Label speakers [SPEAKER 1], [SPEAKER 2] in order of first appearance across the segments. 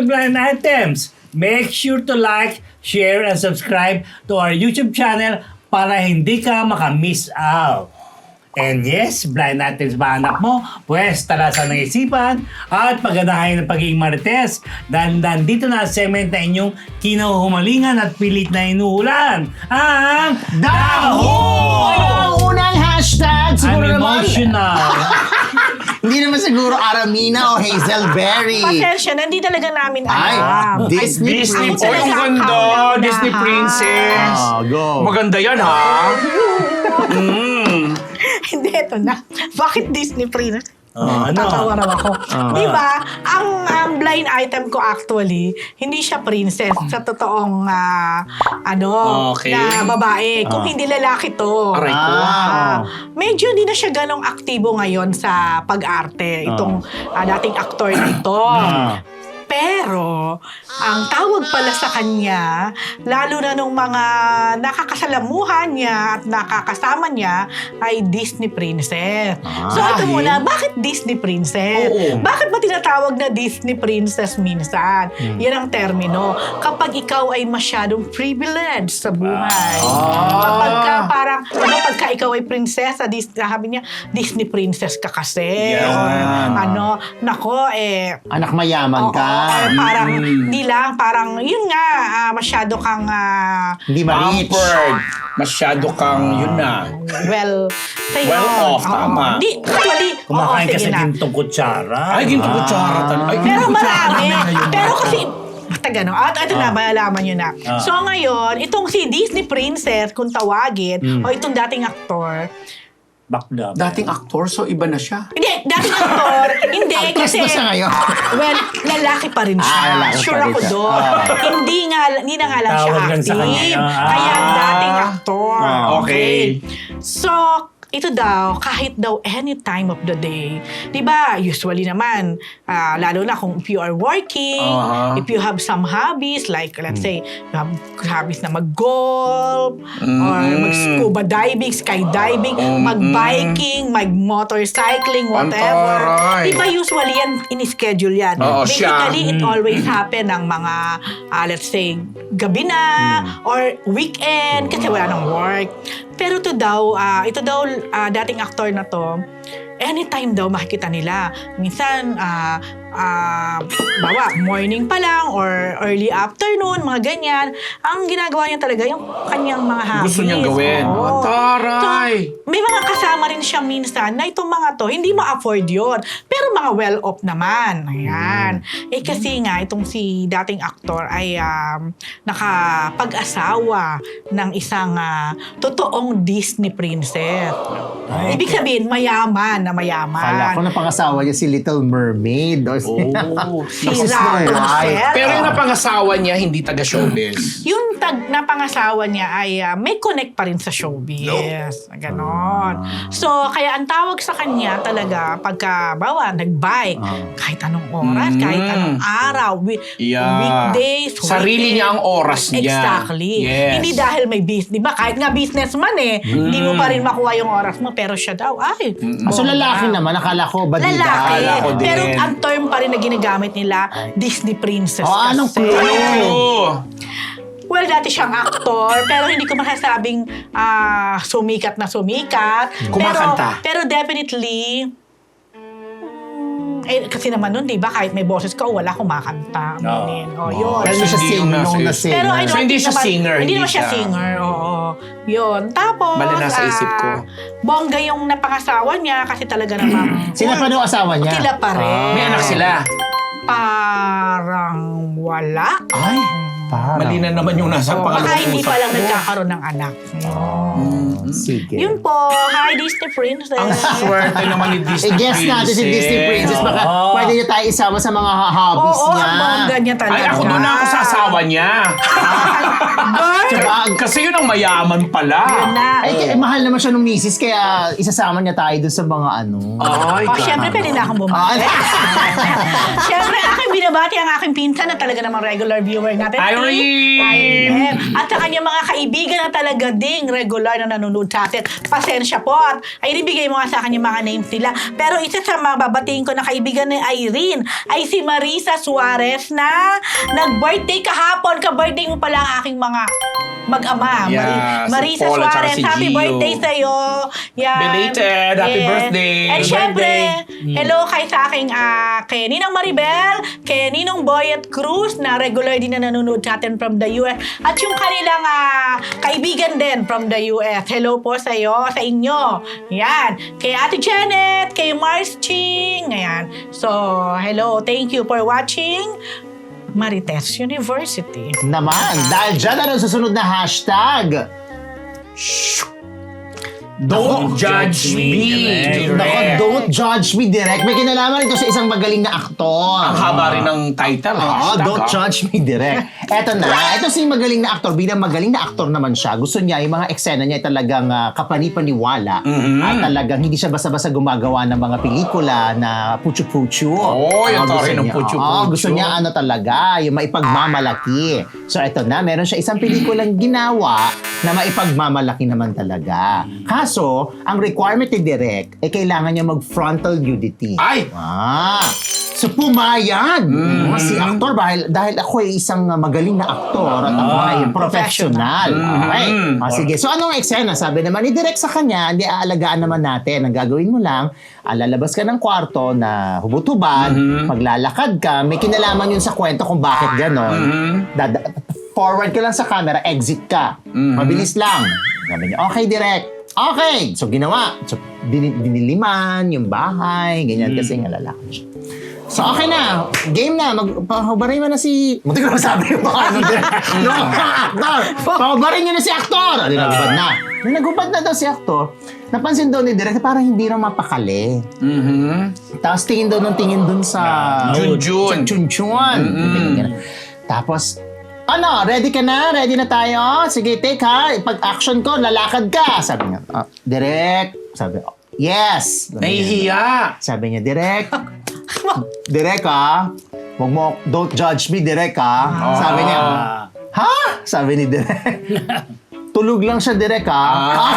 [SPEAKER 1] Blind Items. Make sure to like, share, and subscribe to our YouTube channel para hindi ka makamiss out. And yes, blind items ba anak mo? Pwes, talasan ng isipan at pagganahin ng pagiging marites. Dahil dito na segment na inyong kinahumalingan at pilit na inuulan. Ang
[SPEAKER 2] Daho! Ang unang hashtag, siguro
[SPEAKER 1] I'm
[SPEAKER 2] naman.
[SPEAKER 1] emotional.
[SPEAKER 2] Hindi naman siguro Aramina o Hazelberry.
[SPEAKER 3] Pasensya, hindi talaga namin
[SPEAKER 2] Ay,
[SPEAKER 3] alam.
[SPEAKER 2] Disney
[SPEAKER 3] Ako
[SPEAKER 2] Princess.
[SPEAKER 3] talaga
[SPEAKER 4] Ang
[SPEAKER 3] ang
[SPEAKER 4] ganda,
[SPEAKER 3] kauna-unahan.
[SPEAKER 4] Disney Princess.
[SPEAKER 2] Go.
[SPEAKER 4] Maganda yan, ha?
[SPEAKER 3] Hindi, ito na. Bakit Disney Princess?
[SPEAKER 1] Ano?
[SPEAKER 3] Tatawa raw ako. Diba? Ang blind item ko actually, hindi siya princess sa totoong
[SPEAKER 4] Okay.
[SPEAKER 3] na babae. Kung hindi lalaki to.
[SPEAKER 4] Aray ko.
[SPEAKER 3] Medyo hindi na siya ganong aktibo ngayon sa pag-arte. Itong dating aktor na ito. Pero, ang tawag pala sa kanya, lalo na nung mga nakakasalamuhan niya at nakakasama niya, ay Disney Princess. So, ito muna, bakit Disney Princess?
[SPEAKER 4] Oo.
[SPEAKER 3] Bakit ba tinatawag na Disney Princess minsan? Yan ang termino. Kapag ikaw ay masyadong privileged sa buhay. Kapag ka parang, pagka ikaw ay prinsesa, sabi niya, Disney Princess ka kasi.
[SPEAKER 4] Yeah.
[SPEAKER 3] Or, nako,
[SPEAKER 2] Anak mayaman ka.
[SPEAKER 3] or parang, di lang, parang, yun nga, masyado kang,
[SPEAKER 2] Hindi ma-reach.
[SPEAKER 4] Pampered. Masyado kang, yun na.
[SPEAKER 3] well, say
[SPEAKER 4] Well off,
[SPEAKER 3] Oo.
[SPEAKER 4] tama.
[SPEAKER 3] Di, actually,
[SPEAKER 1] Kumakain ka
[SPEAKER 3] sige
[SPEAKER 1] sa
[SPEAKER 3] na.
[SPEAKER 1] gintong kutsara.
[SPEAKER 4] Ay, ginto kutsara talaga. Ay,
[SPEAKER 3] Pero
[SPEAKER 4] ginto kutsara
[SPEAKER 3] marami.
[SPEAKER 4] namin ngayon.
[SPEAKER 3] Pero kasi, basta gano'n. At ito na, malalaman nyo na. So ngayon, itong si Disney Princess, kung tawagin, o itong dating aktor,
[SPEAKER 1] Bakla.
[SPEAKER 4] Dating aktor, so iba na siya.
[SPEAKER 3] hindi, dating aktor, hindi,
[SPEAKER 2] Actress
[SPEAKER 3] kasi,
[SPEAKER 2] ba siya ngayon?
[SPEAKER 3] well, lalaki pa rin siya.
[SPEAKER 2] Lalaki pa
[SPEAKER 3] Sure
[SPEAKER 2] rin
[SPEAKER 3] ako
[SPEAKER 2] siya.
[SPEAKER 3] doon. Hindi na nga lang siya
[SPEAKER 1] Tawag lang sa
[SPEAKER 3] active.
[SPEAKER 1] kanya.
[SPEAKER 3] Kaya dating aktor.
[SPEAKER 4] Okay.
[SPEAKER 3] So, ito daw, kahit daw any time of the day, di ba, usually naman, lalo na kung if you are working, if you have some hobbies, like let's say, you have hobbies na mag-golf, or mag-scuba diving, skydiving, mag-biking, mag-motorcycling, whatever.
[SPEAKER 4] Antaray.
[SPEAKER 3] Di ba usually yan, in-schedule yan.
[SPEAKER 4] Oo, siya.
[SPEAKER 3] Basically, it always happen ng mga, let's say, gabi na, or weekend, kasi wala nang work. Pero ito daw, dating aktor na to, anytime daw makikita nila. Minsan, bawa, morning pa lang or early afternoon, mga ganyan. Ang ginagawa niya talaga yung kanyang mga hobbies.
[SPEAKER 4] Gusto niyang gawin.
[SPEAKER 3] Oo.
[SPEAKER 4] Taray!
[SPEAKER 3] So, may mga kasama rin siya minsan na itong mga to, hindi ma-afford yun. Pero mga well-off naman. Ayan. Kasi nga, itong si dating aktor ay nakapag-asawa ng isang totoong Disney princess. Ibig sabihin, mayaman na mayaman.
[SPEAKER 2] Kala ko na pangasawa niya si Little Mermaid. O si...
[SPEAKER 3] Si
[SPEAKER 2] Snow White.
[SPEAKER 3] Rapunzel.
[SPEAKER 4] Pero yung napangasawa niya, hindi taga-showbiz.
[SPEAKER 3] Yung napangasawa niya ay may connect pa rin sa showbiz. Ganon. So, kaya ang tawag sa kanya talaga pagka, nag-bike, kahit anong oras, kahit anong araw, weekdays,
[SPEAKER 4] Sarili niya ang oras niya.
[SPEAKER 3] Exactly.
[SPEAKER 4] Yes.
[SPEAKER 3] Hindi dahil may business. Di ba? Kahit nga businessman hindi mo pa rin makuha yung oras mo, pero siya daw,
[SPEAKER 2] So lalaki naman, akala ko badida.
[SPEAKER 3] Lalaki.
[SPEAKER 4] Akala ko din.
[SPEAKER 3] Pero ang term pa rin na ginagamit nila, Disney Princess
[SPEAKER 2] Anong
[SPEAKER 3] kasi.
[SPEAKER 4] Ano?
[SPEAKER 3] Well, dati siyang aktor, pero hindi ko masasabing sumikat na sumikat.
[SPEAKER 4] Kumakanta.
[SPEAKER 3] Pero definitely, kasi naman nun, di ba, kahit may boses ka o wala, kumakanta. Aminin. Yun.
[SPEAKER 2] Pero siya
[SPEAKER 4] Hindi
[SPEAKER 2] sing,
[SPEAKER 4] yung
[SPEAKER 2] nung
[SPEAKER 4] nasa-
[SPEAKER 2] na-sing.
[SPEAKER 3] Pero I don't
[SPEAKER 4] So, hindi
[SPEAKER 3] think
[SPEAKER 4] siya singer,
[SPEAKER 3] Hindi
[SPEAKER 4] hindi
[SPEAKER 3] naman siya
[SPEAKER 4] siya-
[SPEAKER 3] singer, oo. Yun. Tapos,
[SPEAKER 4] Mali nasa isip ko.
[SPEAKER 3] Bongga yung napangasawa niya kasi talaga namang
[SPEAKER 2] Sino pa nung asawa niya?
[SPEAKER 3] sila pa rin.
[SPEAKER 4] May anak sila.
[SPEAKER 3] Parang wala.
[SPEAKER 4] Ay,
[SPEAKER 2] Parang.
[SPEAKER 4] mali na naman yung nasa
[SPEAKER 3] Baka
[SPEAKER 4] pangalawang
[SPEAKER 3] hindi
[SPEAKER 4] usap
[SPEAKER 3] pa lang
[SPEAKER 4] ko.
[SPEAKER 3] nagkakaroon ng anak.
[SPEAKER 2] Sige.
[SPEAKER 3] Yun po. Hi, Disney Princess.
[SPEAKER 4] Ang swerte naman ni Disney
[SPEAKER 2] I-guess natin si Disney Princess. Baka pwede niyo tayo isama sa mga hobbies
[SPEAKER 3] Oo,
[SPEAKER 2] niya.
[SPEAKER 3] ang bongga niya talaga.
[SPEAKER 4] Ay, ako doon na ako sa asawa niya.
[SPEAKER 3] Girl!
[SPEAKER 2] Diba?
[SPEAKER 4] Kasi yun ang mayaman pala.
[SPEAKER 3] Yun na.
[SPEAKER 2] Ay, mahal naman siya nung misis, kaya isasama niya tayo dun sa mga ano.
[SPEAKER 4] Ay,
[SPEAKER 3] Siyempre, pwede na akong bumati. Siyempre, aking binabati ang aking pinsan na talaga namang regular viewer natin.
[SPEAKER 4] Ay, Irene!
[SPEAKER 3] At sa kanyang mga kaibigan na talaga ding regular na nanonood sa atin. Pasensya po. At ay ibigay mo nga sa akin yung mga names nila. Pero isa sa mga babatiin ko na kaibigan ni Irene ay si Marisa Suarez na nag-birthday kahapon. Ka-birthday mo pala ang aking mga mag-ama.
[SPEAKER 4] Yeah, si
[SPEAKER 3] Marisa
[SPEAKER 4] Paul at saka
[SPEAKER 3] Suarez,
[SPEAKER 4] si
[SPEAKER 3] happy
[SPEAKER 4] Gio.
[SPEAKER 3] birthday sa'yo. Yan.
[SPEAKER 4] Belated, happy birthday.
[SPEAKER 3] And
[SPEAKER 1] Happy
[SPEAKER 3] syempre,
[SPEAKER 1] birthday.
[SPEAKER 3] hello kay sa aking kay Ninang Maribel, kay Ninong Boyet Cruz na regular din na nanonood sa atin from the US at yung kanilang kaibigan din from the US. Hello po sa iyo, sa inyo. Yan. Kay Ate Janet, kay Mars Ching. Ayan. So, hello. Thank you for watching Marites University.
[SPEAKER 2] Naman, dahil dyan na rin susunod na hashtag.
[SPEAKER 4] Don't judge me.
[SPEAKER 1] Direct.
[SPEAKER 2] Nako, don't judge me direct. May kinalaman ito sa isang magaling na aktor.
[SPEAKER 4] Ang haba rin ng title.
[SPEAKER 2] Oo,
[SPEAKER 4] hashtag,
[SPEAKER 2] don't judge me direct. Eto na, ito si magaling na aktor. Bilang magaling na aktor naman siya, gusto niya, yung mga eksena niya ay talagang kapani-paniwala. At talagang hindi siya basta-basta gumagawa ng mga pelikula na puchu-puchu.
[SPEAKER 4] Oo, yung
[SPEAKER 2] gusto
[SPEAKER 4] tore ng
[SPEAKER 2] niya-
[SPEAKER 4] puchu-puchu.
[SPEAKER 2] oo, gusto niya ano talaga, yung maipagmamalaki. So eto na, meron siya isang pelikulang ginawa na maipagmamalaki naman talaga. Kaso, ang requirement ni Direk, kailangan niya mag-frontal nudity.
[SPEAKER 4] Ay!
[SPEAKER 2] So pumayag si aktor dahil ako ay isang magaling na aktor at ako ay professional. Okay. Sige. So anong eksena? Sabi naman ni Direk sa kanya, hindi aalagaan naman natin. Ang gagawin mo lang, lalabas ka ng kwarto na hubot-hubad, maglalakad ka, may kinalaman yun sa kwento kung bakit gano'n. Forward ka lang sa camera, exit ka. Mabilis lang. Sabi niya, okay, Direk. Okay! So, ginawa. So, diniliman yung bahay, ganyan kasi nga lalaki siya. So, okay na. Game na. Pahubarin mo na si... Munti ko na sabi yung mga ano din. No, aktor! Pahubarin nyo na si aktor! Nagubad na. Nung nagubad na daw si aktor, napansin daw ni Direk na parang hindi na mapakali. Tapos tingin daw ng tingin dun sa...
[SPEAKER 4] Junjun.
[SPEAKER 2] Sa Chunchun. Tapos, ano, ready ka na? Ready na tayo? Sige, take ha. Pag-action ko, lalakad ka. Sabi niya, Direk. Sabi, yes.
[SPEAKER 4] Nahihiya.
[SPEAKER 2] Sabi niya, Direk. Direk ha. Huwag mo, don't judge me, Direk ha. Sabi niya, ha? Sabi ni Direk. Tulog lang siya, Direk ha.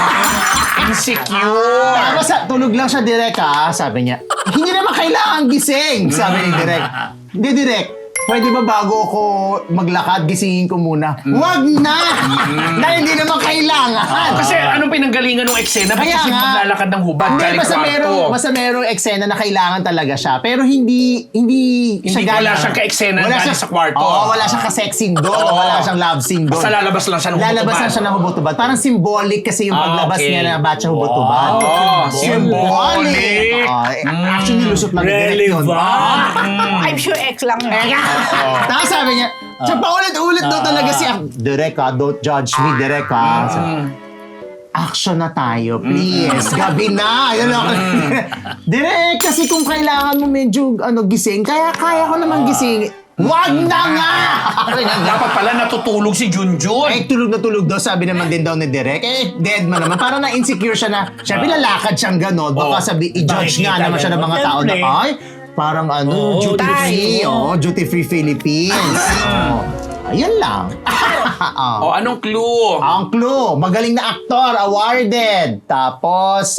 [SPEAKER 4] Insecure.
[SPEAKER 2] Tapos tulog lang siya, Direk ha. Sabi niya, hindi naman kailangan gising. Sabi ni Direk. Hindi, Direk. Pwede ba bago ako maglakad, gisingin ko muna? Wag na! Dahil hindi naman kailangan.
[SPEAKER 4] Kasi anong pinanggalingan ng eksena? Ba't
[SPEAKER 2] Kaya
[SPEAKER 4] kasi
[SPEAKER 2] nga.
[SPEAKER 4] maglalakad ng hubad
[SPEAKER 2] Hindi,
[SPEAKER 4] galing kwarto?
[SPEAKER 2] basta merong eksena na kailangan talaga siya. Pero hindi siya
[SPEAKER 4] wala siyang ka-eksena galing sa kwarto.
[SPEAKER 2] Oo, wala siyang ka-sexing doon.
[SPEAKER 4] Oo.
[SPEAKER 2] Wala siyang love scene doon.
[SPEAKER 4] Basta lalabas lang siya ng hubot-hubad.
[SPEAKER 2] Lalabas lang siya ng hubot-hubad. Parang symbolic kasi yung paglabas
[SPEAKER 4] okay.
[SPEAKER 2] niya na batch hubot-hubad.
[SPEAKER 4] Oh, symbolic.
[SPEAKER 2] Actually, lusot lang direct yun.
[SPEAKER 1] Relevant.
[SPEAKER 3] I'm sure X lang yun.
[SPEAKER 2] Tapos sabi niya, siya paulit-ulit daw talaga si Direk ha, don't judge me, Direk ha. Action na tayo, please. Gabi na. Yun ako. Direk, kasi kung kailangan mo medyo gising, kaya ko naman gising. Wag na nga!
[SPEAKER 4] Dapat pala natutulog si Junjun.
[SPEAKER 2] Tulog na tulog daw, sabi naman din daw ni Direk. Dead man naman. Parang na-insecure siya na, syempre lalakad siyang gano'n. Baka i-judge nga naman siya ng mga tao na, ay, parang duty free. Duty free Philippines. Ayun lang.
[SPEAKER 4] O, anong clue?
[SPEAKER 2] Ang clue, magaling na aktor, awarded. Tapos,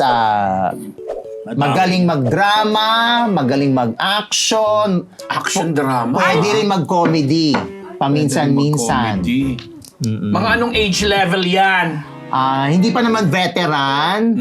[SPEAKER 2] magaling mag-drama, magaling mag-action.
[SPEAKER 4] Action drama.
[SPEAKER 2] Pwede rin mag-comedy. Paminsan-minsan.
[SPEAKER 4] Comedy. Mga anong age level yan?
[SPEAKER 2] Hindi pa naman veteran.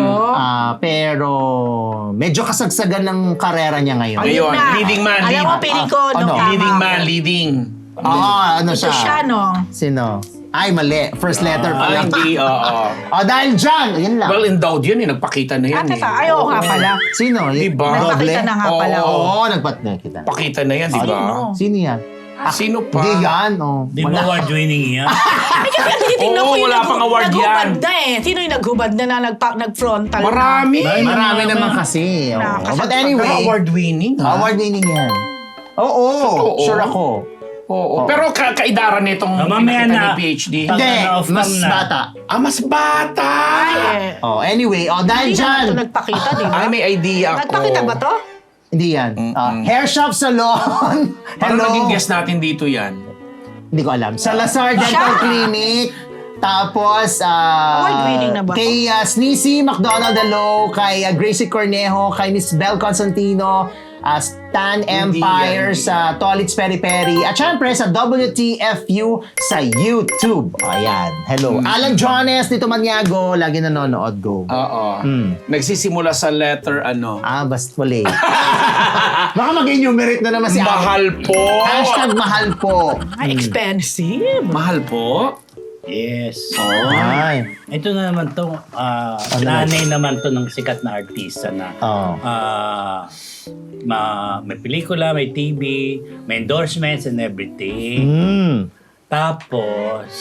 [SPEAKER 2] Pero medyo kasagsagan ng karera niya ngayon.
[SPEAKER 4] Ayun,
[SPEAKER 3] na.
[SPEAKER 4] leading man,
[SPEAKER 3] Alam mo, piling ko, nung tama
[SPEAKER 4] Leading
[SPEAKER 3] ako.
[SPEAKER 4] man, leading.
[SPEAKER 2] Ano
[SPEAKER 3] Ito siya, no?
[SPEAKER 2] Sino? Ay, mali. First letter pa lang.
[SPEAKER 4] Hindi, oo.
[SPEAKER 2] Dahil dyan, ayun lang.
[SPEAKER 4] Well endowed yun nagpakita na yan
[SPEAKER 3] Ate ka, ayaw nga pala.
[SPEAKER 2] Sino?
[SPEAKER 4] Diba?
[SPEAKER 3] Nagpakita na nga pala.
[SPEAKER 2] Oo, nagpakita.
[SPEAKER 4] Pakita na yan, di ba?
[SPEAKER 2] Sino yan?
[SPEAKER 4] Sino pa?
[SPEAKER 2] Hindi yan.
[SPEAKER 1] Di ba award-winning yan?
[SPEAKER 3] Ay, kasi tinitingnan
[SPEAKER 4] Oo,
[SPEAKER 3] ko yung
[SPEAKER 4] wala pang award
[SPEAKER 3] naghubad
[SPEAKER 4] yan.
[SPEAKER 3] na eh. Sino yung naghubad na nag-frontal?
[SPEAKER 4] Marami.
[SPEAKER 2] Marami naman kasi. Oo. But anyway,
[SPEAKER 4] Award-winning, ha?
[SPEAKER 2] award-winning yan. Oo,
[SPEAKER 4] Totoo.
[SPEAKER 2] sure ako.
[SPEAKER 4] Oo. Pero kaidaran nitong
[SPEAKER 1] mamaya
[SPEAKER 4] pinakita
[SPEAKER 1] na.
[SPEAKER 4] ni PhD.
[SPEAKER 2] Hindi,
[SPEAKER 1] off
[SPEAKER 2] mas
[SPEAKER 1] cam na.
[SPEAKER 2] bata.
[SPEAKER 4] Mas bata!
[SPEAKER 2] Anyway, dahil
[SPEAKER 3] Hindi
[SPEAKER 2] dyan.
[SPEAKER 3] naman ito nagpakita, di ba?
[SPEAKER 4] Ay, may idea ako.
[SPEAKER 3] Nagpakita ba to?
[SPEAKER 2] Hindi yan. Hair shop salon.
[SPEAKER 4] Parang
[SPEAKER 2] Hello.
[SPEAKER 4] naging guest natin dito yan.
[SPEAKER 2] Hindi ko alam. Sa Lazar Dental
[SPEAKER 3] Siya.
[SPEAKER 2] Clinic. Tapos,
[SPEAKER 3] Award-winning na ba to?
[SPEAKER 2] kay Sneezy McDonald Delo, kay Gracie Cornejo, kay Miss Bel Constantino, Stan Empire sa Tolits Peri Peri, at syempre sa WTFU sa YouTube. Ayan. Hello. Alan Jones, Tito Maniago, lagi nanonood. Go.
[SPEAKER 4] Oo. Nagsisimula sa letter ano.
[SPEAKER 2] Basta wala. Baka mag-enumerate na naman si Alan.
[SPEAKER 4] Mahal po.
[SPEAKER 2] Hashtag mahal po.
[SPEAKER 3] Ay, expensive.
[SPEAKER 4] Mahal po.
[SPEAKER 1] Yes.
[SPEAKER 2] Ay.
[SPEAKER 1] Ito na naman to, nanay naman to ng sikat na artista na
[SPEAKER 2] Oo.
[SPEAKER 1] may pelikula, may TV, may endorsements and everything. Tapos,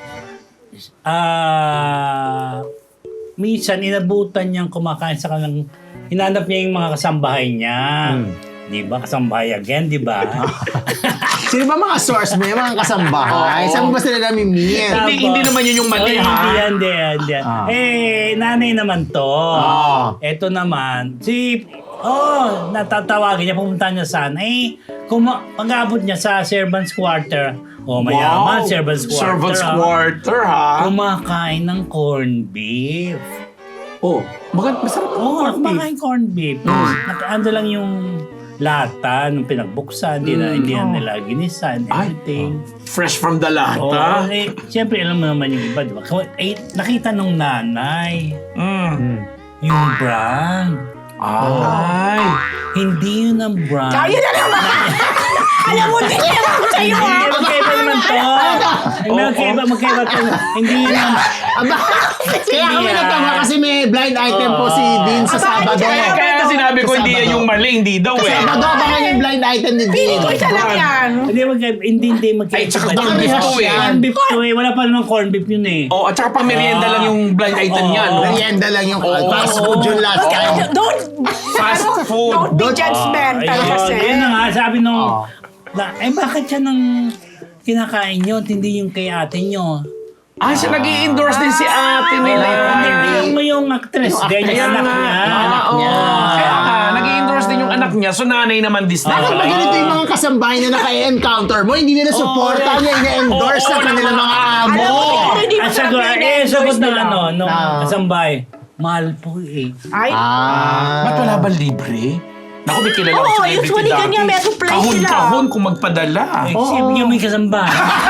[SPEAKER 1] minsan inabutan niyang kumakain sa kanilang, hinanap niya yung mga kasambahay niya. Di ba? Kasambahay again, di ba?
[SPEAKER 2] Sino ba mga source mo? Yung mga kasambahay? Saan mo ba sila namimit?
[SPEAKER 4] Hindi naman yun yung mali, ha?
[SPEAKER 1] Hindi. Nanay naman to. Ito naman, natatawagin niya, pumunta niya saan. Pag-abot niya sa servants quarter. Mayaman, servants quarter.
[SPEAKER 4] Servants quarter, ha?
[SPEAKER 1] Kumakain ng corned beef.
[SPEAKER 4] Masarap ang
[SPEAKER 1] Kumakain corned beef. Ando lang yung lata nung pinagbuksan, hindi na nila ginisa and everything.
[SPEAKER 4] Fresh from the lata.
[SPEAKER 1] Siyempre, alam mo naman yung iba, di ba? Nakita nung nanay, yung brand.
[SPEAKER 4] Ay.
[SPEAKER 1] Hindi yun ang brand.
[SPEAKER 3] Kaya na naman! Alam mo, din naman ko sa'yo, ha?
[SPEAKER 1] Magkaiba naman to. Magkaiba to. Hindi yun ang...
[SPEAKER 2] Kaya kami natawa kasi may blind item po si Dean sa Sabado.
[SPEAKER 4] Kaya sinabi ko hindi yan yung mali, hindi daw
[SPEAKER 2] Sa
[SPEAKER 4] eh.
[SPEAKER 2] Sabado, baka yung blind item ni Dean.
[SPEAKER 3] Pili ko isa lang yan.
[SPEAKER 1] Hindi magkaiba.
[SPEAKER 4] Ay, tsaka
[SPEAKER 1] Corned
[SPEAKER 4] corned beef to eh.
[SPEAKER 1] Corned beef to eh. Wala pa namang corned beef yun eh.
[SPEAKER 4] At saka pang merienda lang yung blind item niya, no?
[SPEAKER 2] Merienda lang yung fast food yung last time.
[SPEAKER 3] Don't
[SPEAKER 4] Fast food.
[SPEAKER 3] be judgmental kasi.
[SPEAKER 1] Yun na nga, sabi nung... bakit siya nang kinakain nyo? Hindi yung kay ate nyo.
[SPEAKER 4] Siya nag-i-endorse din si ate nila.
[SPEAKER 1] Hindi mo yung actress. Ganyan yung anak niya.
[SPEAKER 2] Anak niya.
[SPEAKER 4] Kaya nag-i-endorse din yung anak niya. So nanay naman this
[SPEAKER 2] Bakit
[SPEAKER 4] time.
[SPEAKER 2] ba ganito yung mga kasambahay na naka-encounter mo? Hindi nila supporta niya, ina-endorse sa kanilang mga amo.
[SPEAKER 3] Alam mo, siguro hindi mo
[SPEAKER 1] Sagot
[SPEAKER 3] talaga ina-endorse
[SPEAKER 1] sagot ng
[SPEAKER 3] nila.
[SPEAKER 1] nung kasambay. Mahal po eh.
[SPEAKER 3] Ay,
[SPEAKER 4] Ba't wala ba libre? Naku, may kilala ko
[SPEAKER 3] Oo,
[SPEAKER 4] celebrity
[SPEAKER 3] usually
[SPEAKER 4] dati.
[SPEAKER 3] ganyan, may supply sila.
[SPEAKER 4] Kahon-kahon kung magpadala.
[SPEAKER 1] Yung may kasambay.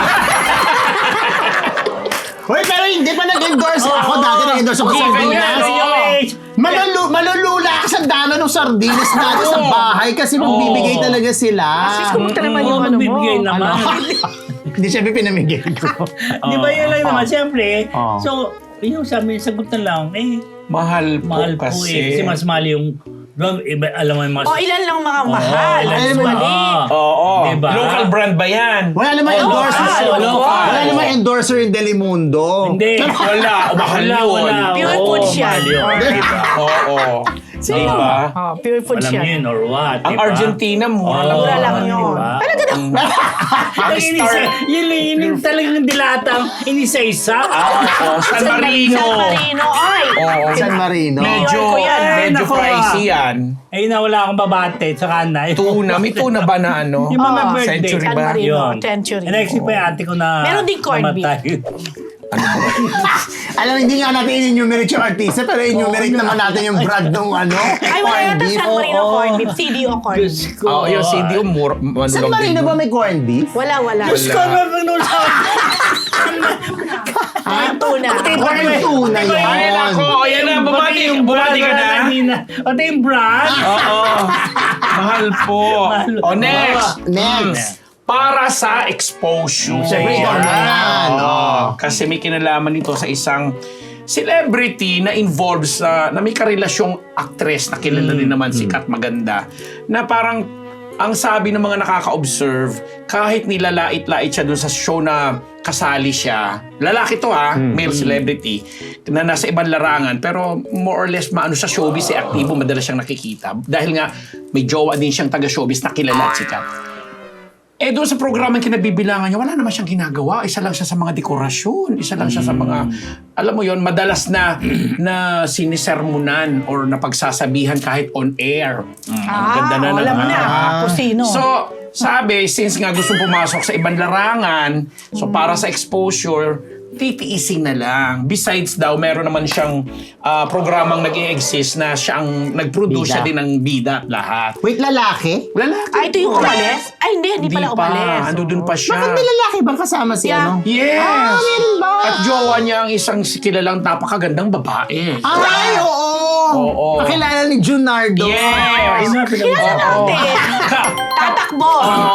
[SPEAKER 2] Hoy, pero hindi pa nag-endorse. Ako dati nag-endorse ako sa sardinas. Malulula ka sa dami ng sardinas natin sa bahay kasi magbibigay talaga sila.
[SPEAKER 3] sis, kumusta naman yung ano mo?
[SPEAKER 1] Magbibigay naman.
[SPEAKER 2] Hindi siya pinamigay ko.
[SPEAKER 1] Di ba yun lang naman? Siyempre.
[SPEAKER 2] Oo.
[SPEAKER 1] So, yung sabi, sagot na lang,
[SPEAKER 4] Mahal po
[SPEAKER 1] mahal po
[SPEAKER 4] kasi.
[SPEAKER 1] eh. Kasi mas mahal yung, alam mo yung mga...
[SPEAKER 3] Ilan lang mga mahal.
[SPEAKER 1] ilan
[SPEAKER 3] Mas
[SPEAKER 1] yung-
[SPEAKER 3] maliit.
[SPEAKER 4] Oo.
[SPEAKER 1] Diba?
[SPEAKER 4] Local brand ba yan?
[SPEAKER 2] Wala namang endorser.
[SPEAKER 1] local.
[SPEAKER 2] Wala namang endorser yung Delimundo.
[SPEAKER 1] Hindi.
[SPEAKER 4] Wala. Mahal yun.
[SPEAKER 3] Pure
[SPEAKER 1] Oo,
[SPEAKER 3] food siya.
[SPEAKER 1] mahal yun. Diba?
[SPEAKER 4] Oo.
[SPEAKER 3] Sino?
[SPEAKER 4] Diba?
[SPEAKER 3] Pure food
[SPEAKER 1] Alam
[SPEAKER 3] siya.
[SPEAKER 1] niyo yun or what?
[SPEAKER 4] Ang
[SPEAKER 1] diba?
[SPEAKER 4] Argentina, mura lang.
[SPEAKER 3] Mura lang yun.
[SPEAKER 1] Diba?
[SPEAKER 3] Talaga na.
[SPEAKER 1] Yun talagang dilatang inisa-isa.
[SPEAKER 4] San Marino.
[SPEAKER 3] San Marino. Ay.
[SPEAKER 4] Oo.
[SPEAKER 2] San Marino.
[SPEAKER 4] Medyo,
[SPEAKER 3] ko yan.
[SPEAKER 4] medyo
[SPEAKER 1] Nako,
[SPEAKER 4] pricey yan.
[SPEAKER 1] Ay, na wala akong babate sa kanay.
[SPEAKER 4] Tuna. May tuna ba na ano?
[SPEAKER 1] Yung mga
[SPEAKER 3] Oo,
[SPEAKER 1] birthday.
[SPEAKER 4] Century
[SPEAKER 3] San
[SPEAKER 4] ba?
[SPEAKER 3] Marino.
[SPEAKER 1] Yun.
[SPEAKER 3] Century.
[SPEAKER 1] Next pa yung ate ko na
[SPEAKER 3] Meron din corned beef.
[SPEAKER 1] namatay.
[SPEAKER 2] Alam, hindi nga natin in-enumerate yung artista, pero in-enumerate naman natin yung brand ng ano.
[SPEAKER 3] Ay, wala
[SPEAKER 2] corned
[SPEAKER 3] yata
[SPEAKER 2] beef.
[SPEAKER 3] San Marino corned beef. CDO corned beef.
[SPEAKER 1] Diyos ko.
[SPEAKER 4] Oo, yung CD, mura.
[SPEAKER 2] San Marino ba may corned beef?
[SPEAKER 3] Wala.
[SPEAKER 1] Diyos ko, nung sa...
[SPEAKER 3] Corned tuna.
[SPEAKER 2] Corned tuna
[SPEAKER 4] Ay,
[SPEAKER 2] yun.
[SPEAKER 4] nako. Ayan na, bumati ka na.
[SPEAKER 1] Pati yung brand.
[SPEAKER 4] Oo. Mahal po. O, next.
[SPEAKER 2] Next.
[SPEAKER 4] Para sa exposure.
[SPEAKER 2] Siyempre, ikaw na yan.
[SPEAKER 4] Kasi may kinalaman nito sa isang celebrity na involved na may karelasyong actress na kilala din naman, sikat, maganda, na parang ang sabi ng mga nakaka-observe, kahit nilalait-lait siya dun sa show na kasali siya, lalaki to male celebrity, na nasa ibang larangan, pero more or less maano sa showbiz, aktibo, madalas siyang nakikita. Dahil nga, may jowa din siyang taga-showbiz na kilala at sikat. doon sa programang kinabibilangan niya, wala naman siyang ginagawa. Isa lang siya sa mga dekorasyon. Isa lang siya sa mga, alam mo yon, madalas na sinisermonan or napagsasabihan kahit on air. Ang ganda na
[SPEAKER 3] alam mo na kung sino.
[SPEAKER 4] So, sabi, since nga gusto pumasok sa ibang larangan, so para sa exposure, titiisin na lang. Besides daw, meron naman siyang programang nag-i-exist na siyang nag-produce
[SPEAKER 2] Bida.
[SPEAKER 4] siya din ng bida at lahat.
[SPEAKER 2] Wait, lalaki?
[SPEAKER 4] Lalaki.
[SPEAKER 3] Ito yung umalis? Ay, hindi pala umalis.
[SPEAKER 4] Ando dun pa siya.
[SPEAKER 2] Bakit may lalaki bang kasama si
[SPEAKER 3] Yeah.
[SPEAKER 2] ano?
[SPEAKER 4] Yes!
[SPEAKER 2] meron ba?
[SPEAKER 4] At jowa niya ang isang kilalang napakagandang babae.
[SPEAKER 2] Ay, oo!
[SPEAKER 4] Oo.
[SPEAKER 2] Pakilala ni Junardo.
[SPEAKER 4] Yes!
[SPEAKER 3] Kilala natin. Tatakbo.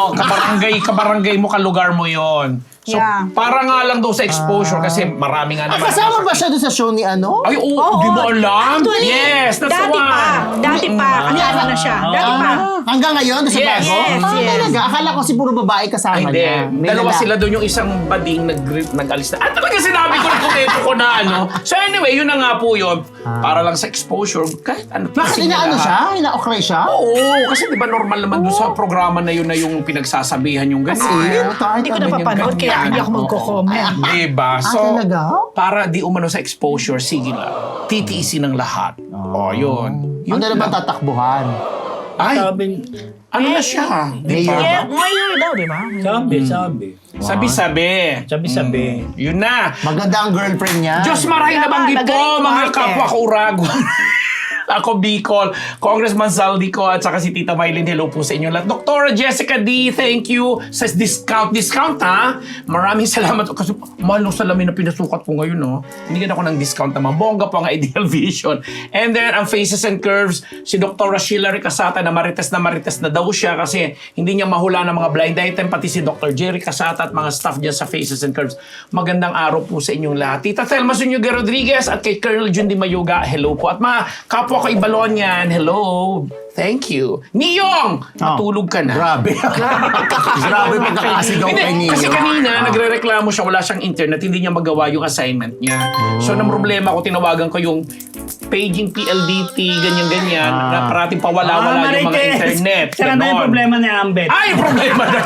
[SPEAKER 4] Kabarangay mo, kalugar mo yon. So,
[SPEAKER 3] Yeah.
[SPEAKER 4] para nga lang daw sa exposure kasi marami nga naman.
[SPEAKER 2] Kasama ba siya doon sa show ni ano?
[SPEAKER 4] Ay, di mo alam?
[SPEAKER 3] Actually,
[SPEAKER 4] Yes, that's the
[SPEAKER 3] dati
[SPEAKER 4] one.
[SPEAKER 3] Dati pa. Kasama na siya. Dati pa.
[SPEAKER 2] Hanggang ngayon, doon sa
[SPEAKER 4] Yes.
[SPEAKER 2] bago?
[SPEAKER 3] Yes, yes.
[SPEAKER 2] Talaga? Akala ko si puro babae kasama
[SPEAKER 4] Ay, hindi.
[SPEAKER 2] niya. May
[SPEAKER 4] Dalawa
[SPEAKER 2] lalaki.
[SPEAKER 4] sila doon, yung isang bading nag-alis na. At talaga sinabi ko na kumpleto ko na ano. So anyway, yun na nga po yun. Para lang sa exposure, kahit ano.
[SPEAKER 2] Bakit
[SPEAKER 4] teasing
[SPEAKER 2] inaano
[SPEAKER 4] lahat.
[SPEAKER 2] siya? Ina-okray siya?
[SPEAKER 4] Oo, kasi di ba normal naman doon sa programa na yun na yung pinagsasabihan yung ganyan.
[SPEAKER 3] Hindi ko napapanood kaya hindi ako magko-comment.
[SPEAKER 4] Diba? So,
[SPEAKER 2] talaga?
[SPEAKER 4] para di umano sa exposure, sige lang. Titiisin ng lahat. Yun.
[SPEAKER 2] Ano na ba
[SPEAKER 4] lang.
[SPEAKER 2] tatakbuhan?
[SPEAKER 4] Ay,
[SPEAKER 1] Sabi,
[SPEAKER 4] ano na siya? Di
[SPEAKER 2] Mayor.
[SPEAKER 4] ba?
[SPEAKER 3] Mayor daw, di ba?
[SPEAKER 1] sabi.
[SPEAKER 4] Sabi-sabi.
[SPEAKER 1] Sabi.
[SPEAKER 4] Yun na.
[SPEAKER 2] Maganda ang girlfriend niya.
[SPEAKER 4] Diyos maray na banggit po,
[SPEAKER 3] Magaling
[SPEAKER 4] mga
[SPEAKER 3] umarte.
[SPEAKER 4] kapwa ko Uragon. Ako Bicol, Congressman Saldico at saka si Tita Mylene, hello po sa inyo lahat. Dr. Jessica D, thank you sa discount. Discount ha? Maraming salamat. Kasi mahal ng salamin na pinasukat ko ngayon, no? Binigyan ako ng discount naman. Bongga po ang Ideal Vision. And then, ang Faces and Curves, si Dr. Sheila Ricasata na marites na daw siya kasi hindi niya mahula ng mga blind item. Pati si Dr. Jerry Casata at mga staff dyan sa Faces and Curves. Magandang araw po sa inyong lahat. Tita Thelma Zuniga Rodriguez at kay Colonel Jundi Mayuga, hello po. At mga kapwa ko Ibalon yan, hello. Thank you. Niyong! Natulog ka na.
[SPEAKER 2] Grabe. Grabe pagkakasigaw
[SPEAKER 4] Hindi,
[SPEAKER 2] kay Nino.
[SPEAKER 4] kasi kanina, nagre-reklamo siya, wala siyang internet, hindi niya magawa yung assignment niya. So, nang problema ko, tinawagan ko yung paging PLDT, ganyan-ganyan, na parating pawala-wala yung mga internet.
[SPEAKER 1] Saka na yung
[SPEAKER 4] Ganon.
[SPEAKER 1] problema ni Ambet.
[SPEAKER 4] Ay, yung problema na.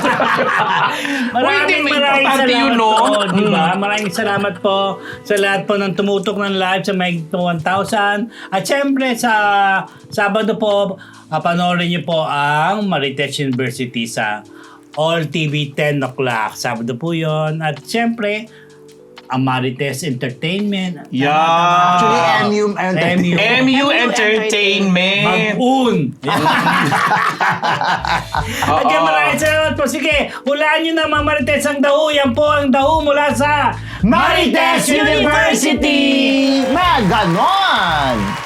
[SPEAKER 1] Maraming
[SPEAKER 4] importante yun,
[SPEAKER 1] salamat
[SPEAKER 4] no?
[SPEAKER 1] po, di ba? Maraming salamat po sa lahat po ng tumutok ng live sa May 1,000. At syempre sa Sabado po, panoorin niyo po ang Marites University sa All TV 10 o'clock. Sabado po yun. At syempre, ang Marites Entertainment.
[SPEAKER 4] Yeah.
[SPEAKER 2] Actually, MU Entertainment.
[SPEAKER 4] MU Entertainment.
[SPEAKER 1] Mag-un. Okay, maraming salamat po. Sige, hulaan nyo na mga Marites ang daho. Yan po ang daho mula sa
[SPEAKER 2] Marites University! Maganon!